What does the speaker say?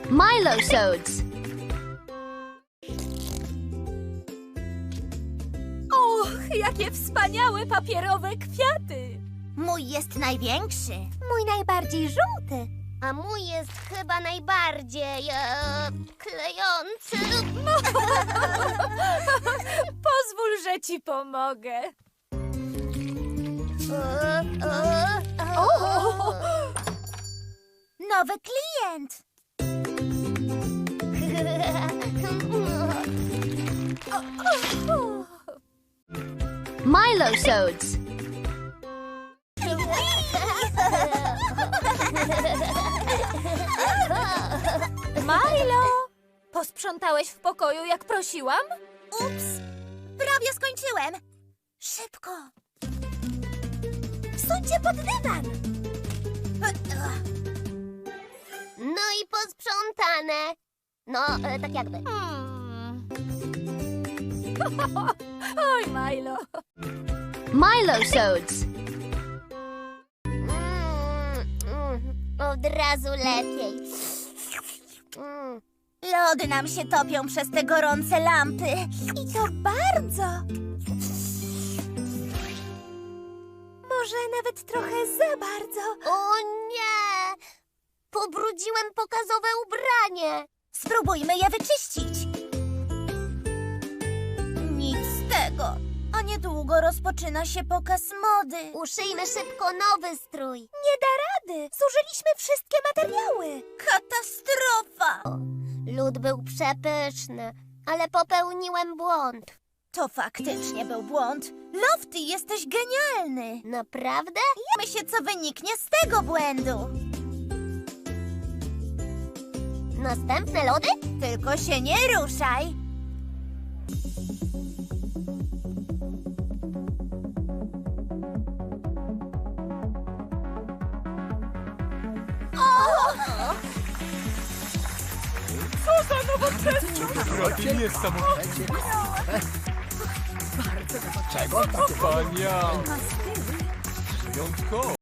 Milosodes. Och, jakie wspaniałe papierowe kwiaty! Mój jest największy. Mój najbardziej żółty. A mój jest chyba najbardziej klejący. Pozwól, że ci pomogę. Nowy klient. Milosodes. Milo, posprzątałeś w pokoju, jak prosiłam? Ups, prawie skończyłem. Szybko. Wsuńcie pod dywan. No i posprzątane. No, tak jakby. Oj, Milo. Milosodes. Od razu lepiej. Lody nam się topią przez te gorące lampy. I to bardzo. Może nawet trochę za bardzo. O nie! Pobrudziłem pokazowe ubranie. Spróbujmy je wyczyścić. Nic z tego. A niedługo rozpoczyna się pokaz mody. Uszyjmy szybko nowy strój. Nie da rady. Zużyliśmy wszystkie materiały. Katastrofa. Lód był przepyszny, ale popełniłem błąd. To faktycznie był błąd. Lofty, jesteś genialny. Naprawdę? Myślę, co wyniknie z tego błędu. Następne lody? Tylko się nie ruszaj. Drogi niesamowite. Czego? Wspaniale. Wyjątkowo.